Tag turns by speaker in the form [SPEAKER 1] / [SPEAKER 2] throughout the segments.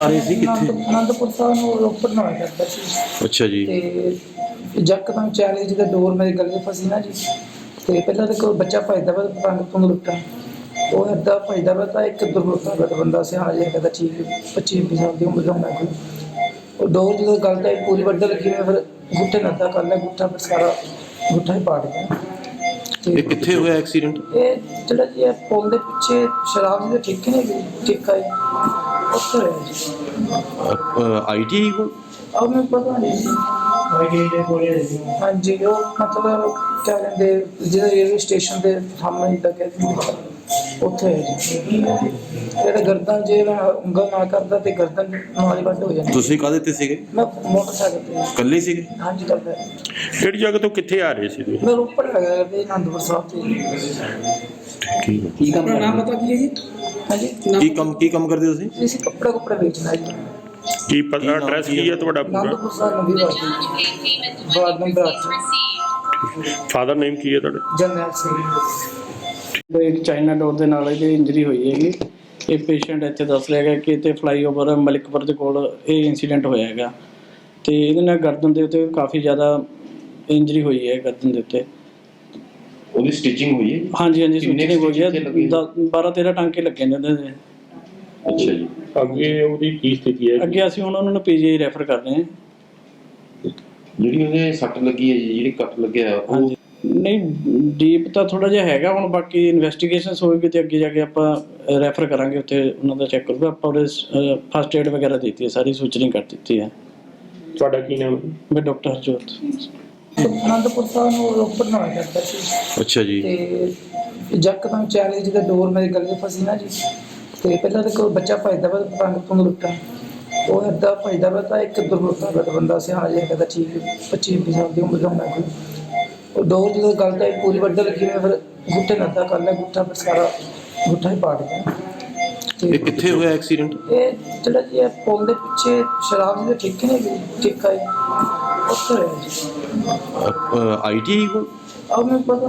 [SPEAKER 1] ਆ ਰਹੇ ਸੀ ਕਿੱਥੇ?
[SPEAKER 2] ਅਨੰਦਪੁਰ ਸਾਹਿਬ ਨੂੰ ਰੋਪੜ ਨੂੰ ਆਇਆ ਕਰਦਾ ਸੀ
[SPEAKER 1] ਅੱਛਾ ਜੀ।
[SPEAKER 2] ਤੇ ਯਕਦਮ ਚਾਲੇ ਜਿਹਦਾ ਡੋਰ ਮੇਰੇ ਗਲੇ 'ਚ ਫਸੀ ਨਾ ਜੀ। ਤੇ ਪਹਿਲਾਂ ਤਾਂ ਕੋਈ ਬੱਚਾ ਭੱਜਦਾ ਵਾ ਪਤੰਗ ਪੁੰਗ ਲੁੱਟਾਂ, ਉਹ ਇੱਦਾਂ ਭੱਜਦਾ ਵਾ ਤਾਂ ਇੱਕ ਦੁਰਵਰਤਾ ਦਾ ਬੰਦਾ ਸਿਆਣਾ ਜਿਹਾ ਕਹਿੰਦਾ ਠੀਕ 25-20 ਸਾਲ ਦੀ ਉਮਰ ਦਾ ਹੋਣਾ ਕੋਈ। ਉਹ ਡੋਰ ਜਦੋਂ ਗੱਲ ਤਾਂ ਪੂਰੀ ਵੱਢ ਲੱਗੀ ਮੈਂ ਫਿਰ ਗੁੱਟੇ ਨਾਲ ਅੱਧਾ ਕਰ ਲਿਆ, ਗੁੱਠਾ ਫਿਰ ਸਾਰਾ ਗੁੱਠਾ ਹੀ ਪਾੜ ਗਿਆ।
[SPEAKER 1] ਇਹ ਕਿੱਥੇ ਹੋਇਆ ਐਕਸੀਡੈਂਟ?
[SPEAKER 2] ਇਹ ਜਿਹੜਾ ਜੀ ਇਹ ਪੁਲ ਦੇ ਪਿੱਛੇ ਸ਼ਰਾਬ ਜੀ ਦੇ ਠੇਕੇ ਨੇ ਠੇਕਾ ਹੈ ਉੱਥੇ ਹੋਇਆ ਜੀ।
[SPEAKER 1] ਆਈਟੀ ਕੋਲ?
[SPEAKER 2] अब मैं पता नहीं हाँ जी वो मतलब क्या कहते जिहड़ा रेलवे स्टेशन के सामने तक उत्थे ਜਿਹੜਾ ਗਰਦਨ ਜੇ ਮੈਂ ਉਂਗਲ ਨਾਲ ਕਰਦਾ ਤੇ ਗਰਦਨ ਨਾਲ ਹੀ ਵੱਢ ਹੋ ਜਾਂਦੀ।
[SPEAKER 1] ਤੁਸੀਂ ਕਾਹਦੇ ਤੇ ਸੀਗੇ?
[SPEAKER 2] ਮੈਂ ਮੋਟਰਸਾਈਕਲ ਤੇ।
[SPEAKER 1] ਇਕੱਲੇ ਸੀਗੇ?
[SPEAKER 2] ਹਾਂਜੀ ਕਰਦਾ।
[SPEAKER 3] ਕਿਹੜੀ ਜਗ੍ਹਾ ਤੋਂ ਕਿੱਥੇ ਆ ਰਹੇ ਸੀ ਤੁਸੀਂ?
[SPEAKER 2] ਮੈਂ ਰੋਪੜ ਹੈਗਾ ਤੇ ਅਨੰਦਪੁਰ ਸਾਹਿਬ ਤੇ।
[SPEAKER 1] ਠੀਕ ਹੈ।
[SPEAKER 2] ਕੀ ਕੰਮ ਕਰਦਾ? ਨਾਮ ਪਤਾ ਕੀ ਹੈ ਜੀ? ਹਾਂਜੀ
[SPEAKER 1] ਕੀ ਕੰਮ ਕਰਦੇ ਹੋ ਤੁਸੀਂ?
[SPEAKER 2] ਅਸੀਂ ਕੱਪੜਾ ਵੇਚਣਾ ਜੀ।
[SPEAKER 3] ਕੀ ਪਤਾ ਐਡਰੈਸ ਕੀ ਹੈ ਤੁਹਾਡਾ ਪੂਰਾ?
[SPEAKER 2] ਅਨੰਦਪੁਰ ਸਾਹਿਬ ਨਵੀਂ ਵਾਰਡ ਨੰਬਰ 8।
[SPEAKER 3] ਫਾਦਰ ਨੇਮ ਕੀ ਹੈ ਤੁਹਾਡਾ?
[SPEAKER 2] ਜਰਨੈਲ ਸਿੰਘ।
[SPEAKER 4] ਇੱਕ ਚਾਈਨਾ ਡੋਰ ਦੇ ਨਾਲ ਇਹਦੀ ਇੰਜਰੀ ਹੋਈ ਹੈਗੀ। ਇਹ ਪੇਸ਼ੈਂਟ ਇੱਥੇ ਦੱਸ ਰਿਹਾ ਹੈਗਾ ਕਿ ਇੱਥੇ ਫਲਾਈਓਵਰ ਮਲਿਕਪੁਰ ਦੇ ਕੋਲ ਇਹ ਇੰਸੀਡੈਂਟ ਹੋਇਆ ਹੈਗਾ ਤੇ ਇਹਦੇ ਨਾਲ ਗਰਦਨ ਦੇ ਉੱਤੇ ਕਾਫੀ ਜ਼ਿਆਦਾ ਇੰਜਰੀ ਹੋਈ ਹੈ। ਗਰਦਨ ਦੇ ਉੱਤੇ
[SPEAKER 1] ਉਹਦੀ ਸਟਿਚਿੰਗ ਹੋਈ ਹੈ?
[SPEAKER 4] ਹਾਂਜੀ ਸਟਿਚਿੰਗ ਹੋਈ ਹੈ। 12-13 ਟਾਂਕੇ ਲੱਗੇ ਨੇ ਉਹਦੇ।
[SPEAKER 1] ਅੱਛਾ ਜੀ।
[SPEAKER 3] ਅੱਗੇ ਉਹਦੀ ਕੀ ਸਥਿਤੀ ਹੈ?
[SPEAKER 4] ਅੱਗੇ ਅਸੀਂ ਉਹਨਾਂ ਨੂੰ ਪੀਜੀਆਈ ਰੈਫਰ ਕਰ ਰਹੇ ਹਾਂ।
[SPEAKER 1] ਜਿਹੜੀ ਉਹਦੇ ਸੱਟ ਲੱਗੀ ਹੈ ਜੀ, ਜਿਹੜੀ ਕੱਟ ਲੱਗਿਆ ਉਹ
[SPEAKER 4] ਨਹੀਂ ਡੀਪ ਤਾਂ ਥੋੜਾ ਜਿਹਾ ਹੈਗਾ, ਹੁਣ ਬਾਕੀ ਇਨਵੈਸਟੀਗੇਸ਼ਨਸ ਹੋਏਗੀ ਤੇ ਅੱਗੇ ਜਾ ਕੇ ਆਪਾਂ ਰੈਫਰ ਕਰਾਂਗੇ ਉੱਥੇ ਉਹਨਾਂ ਦਾ ਚੈੱਕ ਕਰੂਗਾ। ਆਪਾਂ ਉਹਦੇ ਫਸਟ ਏਡ ਵਗੈਰਾ ਦਿੱਤੀ ਹੈ, ਸਾਰੀ ਸੂਚਰਿੰਗ ਕਰ ਦਿੱਤੀ ਹੈ।
[SPEAKER 3] ਤੁਹਾਡਾ ਕੀ ਨਾਮ ਹੈ?
[SPEAKER 4] ਮੈਂ ਡਾਕਟਰ ਹਰਜੋਤ।
[SPEAKER 2] ਅਨੰਦਪੁਰ ਸਾਹਿਬ ਨੂੰ ਰੋਪੜ ਨੂੰ ਆਇਆ ਕਰਦਾ ਸੀ।
[SPEAKER 1] ਅੱਛਾ ਜੀ।
[SPEAKER 2] ਤੇ ਯਕਦਮ ਚਾਲੇ ਜਿਹਦਾ ਡੋਰ ਮੇਰੇ ਗਲੇ 'ਚ ਫਸੀ ਨਾ ਜੀ। ਤੇ ਪਹਿਲਾਂ ਤਾਂ ਕੋਈ ਬੱਚਾ ਭੱਜਦਾ ਵਾ ਪਤੰਗ ਪੁੰਗ ਲੁੱਟਾਂ, ਉਹ ਇੱਦਾਂ ਭੱਜਦਾ ਵਾ ਤਾਂ ਇੱਕ ਦੁਰਵਰਤਾ ਦਾ ਬੰਦਾ ਸਿਆਣਾ ਜਿਹਾ ਕਹਿੰਦਾ ਠੀਕ 25-20 ਸਾਲ ਦੀ ਉਮਰ ਦਾ ਹੋਣਾ ਕੋਈ। ਉਹ ਡੋਰ ਜਦੋਂ ਗੱਲ ਤਾਂ ਪੂਰੀ ਵੱਢ ਲੱਗੀ ਮੈਂ ਫਿਰ ਗੁੱਟੇ ਨਾਲ ਅੱਧਾ ਕਰ ਲਿਆ, ਗੁੱਠਾ ਫਿਰ ਸਾਰਾ ਗੁੱਠਾ ਹੀ ਪਾੜ ਗਿਆ।
[SPEAKER 1] ਇਹ ਕਿੱਥੇ ਹੋਇਆ ਐਕਸੀਡੈਂਟ?
[SPEAKER 2] ਇਹ ਜਿਹੜਾ ਜੀ ਇਹ ਪੁਲ ਦੇ ਪਿੱਛੇ ਸ਼ਰਾਬ ਜੀ ਦੇ ਠੇਕੇ ਨੇ ਠੇਕਾ ਹੈ ਉੱਥੇ ਹੋਇਆ ਜੀ।
[SPEAKER 1] ਆਈਟੀ ਕੋਲ?
[SPEAKER 2] अब मैं पता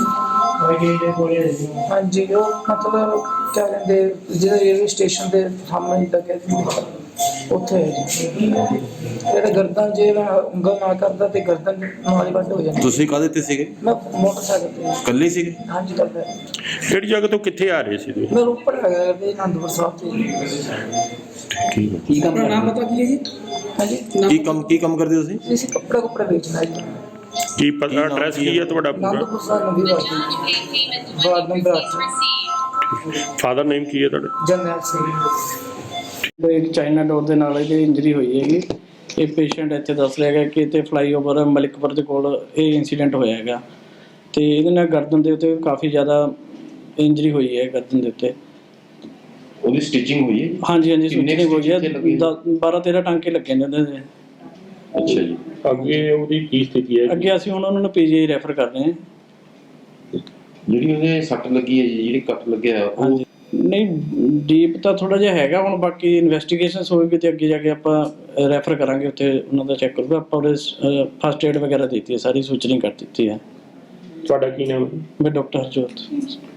[SPEAKER 2] नहीं हाँ जी वो मतलब क्या कहते जिहड़ा रेलवे स्टेशन के सामने तक उत्थे है जी। ਜਿਹੜਾ ਗਰਦਨ ਜੇ ਮੈਂ ਉਂਗਲ ਨਾਲ ਕਰਦਾ ਤੇ ਗਰਦਨ ਨਾਲ ਹੀ ਵੱਢ ਹੋ ਜਾਂਦੀ।
[SPEAKER 1] ਤੁਸੀਂ ਕਾਹਦੇ ਤੇ ਸੀਗੇ?
[SPEAKER 2] ਮੈਂ ਮੋਟਰਸਾਈਕਲ ਤੇ।
[SPEAKER 1] ਇਕੱਲੇ ਸੀਗੇ?
[SPEAKER 2] ਹਾਂਜੀ ਕਰਦਾ।
[SPEAKER 3] ਕਿਹੜੀ ਜਗ੍ਹਾ ਤੋਂ ਕਿੱਥੇ ਆ ਰਹੇ ਸੀ ਤੁਸੀਂ?
[SPEAKER 2] ਮੈਂ ਰੋਪੜ ਹੈਗਾ ਤੇ ਅਨੰਦਪੁਰ ਸਾਹਿਬ ਤੇ।
[SPEAKER 1] ਠੀਕ ਹੈ।
[SPEAKER 2] ਕੀ ਕੰਮ ਕਰਦਾ? ਨਾਮ ਪਤਾ ਕੀ ਹੈ ਜੀ? ਹਾਂਜੀ
[SPEAKER 1] ਕੀ ਕੰਮ ਕਰਦੇ ਹੋ ਤੁਸੀਂ?
[SPEAKER 2] ਅਸੀਂ ਕੱਪੜਾ ਵੇਚਣਾ ਜੀ।
[SPEAKER 3] ਕੀ ਪਤਾ ਐਡਰੈਸ ਕੀ ਹੈ ਤੁਹਾਡਾ ਪੂਰਾ?
[SPEAKER 2] ਅਨੰਦਪੁਰ ਸਾਹਿਬ ਨਵੀਂ ਵਾਰਡ ਨੰਬਰ 8।
[SPEAKER 3] ਫਾਦਰ ਨੇਮ ਕੀ ਹੈ ਤੁਹਾਡਾ?
[SPEAKER 2] ਜਰਨੈਲ ਸਿੰਘ।
[SPEAKER 4] ਇੱਕ ਚਾਈਨਾ ਡੋਰ ਦੇ ਨਾਲ ਇਹਦੀ ਇੰਜਰੀ ਹੋਈ ਹੈਗੀ। ਇਹ ਪੇਸ਼ੈਂਟ ਇੱਥੇ ਦੱਸ ਰਿਹਾ ਹੈਗਾ ਕਿ ਇੱਥੇ ਫਲਾਈਓਵਰ ਮਲਿਕਪੁਰ ਦੇ ਕੋਲ ਇਹ ਇੰਸੀਡੈਂਟ ਹੋਇਆ ਹੈਗਾ ਤੇ ਇਹਦੇ ਨਾਲ ਗਰਦਨ ਦੇ ਉੱਤੇ ਕਾਫੀ ਜ਼ਿਆਦਾ ਇੰਜਰੀ ਹੋਈ ਹੈ। ਗਰਦਨ ਦੇ ਉੱਤੇ
[SPEAKER 1] ਉਹਦੀ ਸਟਿਚਿੰਗ ਹੋਈ ਹੈ?
[SPEAKER 4] ਹਾਂਜੀ ਸਟਿਚਿੰਗ ਹੋਈ ਹੈ। 12-13 ਟਾਂਕੇ ਲੱਗੇ ਨੇ ਉਹਦੇ।
[SPEAKER 1] ਅੱਛਾ ਜੀ।
[SPEAKER 3] ਅੱਗੇ ਉਹਦੀ ਕੀ ਸਥਿਤੀ ਹੈ?
[SPEAKER 4] ਅੱਗੇ ਅਸੀਂ ਉਹਨਾਂ ਨੂੰ ਪੀਜੀਆਈ ਰੈਫਰ ਕਰ ਰਹੇ ਹਾਂ।
[SPEAKER 1] ਜਿਹੜੀ ਉਹਦੇ ਸੱਟ ਲੱਗੀ ਹੈ ਜੀ, ਜਿਹੜੀ ਕੱਟ ਲੱਗਿਆ ਉਹ
[SPEAKER 4] ਨਹੀਂ ਡੀਪ ਤਾਂ ਥੋੜਾ ਜਿਹਾ ਹੈਗਾ, ਹੁਣ ਬਾਕੀ ਇਨਵੈਸਟੀਗੇਸ਼ਨਸ ਹੋਏਗੀ ਤੇ ਅੱਗੇ ਜਾ ਕੇ ਆਪਾਂ ਰੈਫਰ ਕਰਾਂਗੇ ਉੱਥੇ ਉਹਨਾਂ ਦਾ ਚੈੱਕ ਕਰੂਗਾ। ਆਪਾਂ ਉਹਦੇ ਫਸਟ ਏਡ ਵਗੈਰਾ ਦਿੱਤੀ ਹੈ, ਸਾਰੀ ਸੂਚਰਿੰਗ ਕਰ ਦਿੱਤੀ ਹੈ।
[SPEAKER 3] ਤੁਹਾਡਾ ਕੀ ਨਾਮ ਹੈ?
[SPEAKER 4] ਮੈਂ ਡਾਕਟਰ ਹਰਜੋਤ।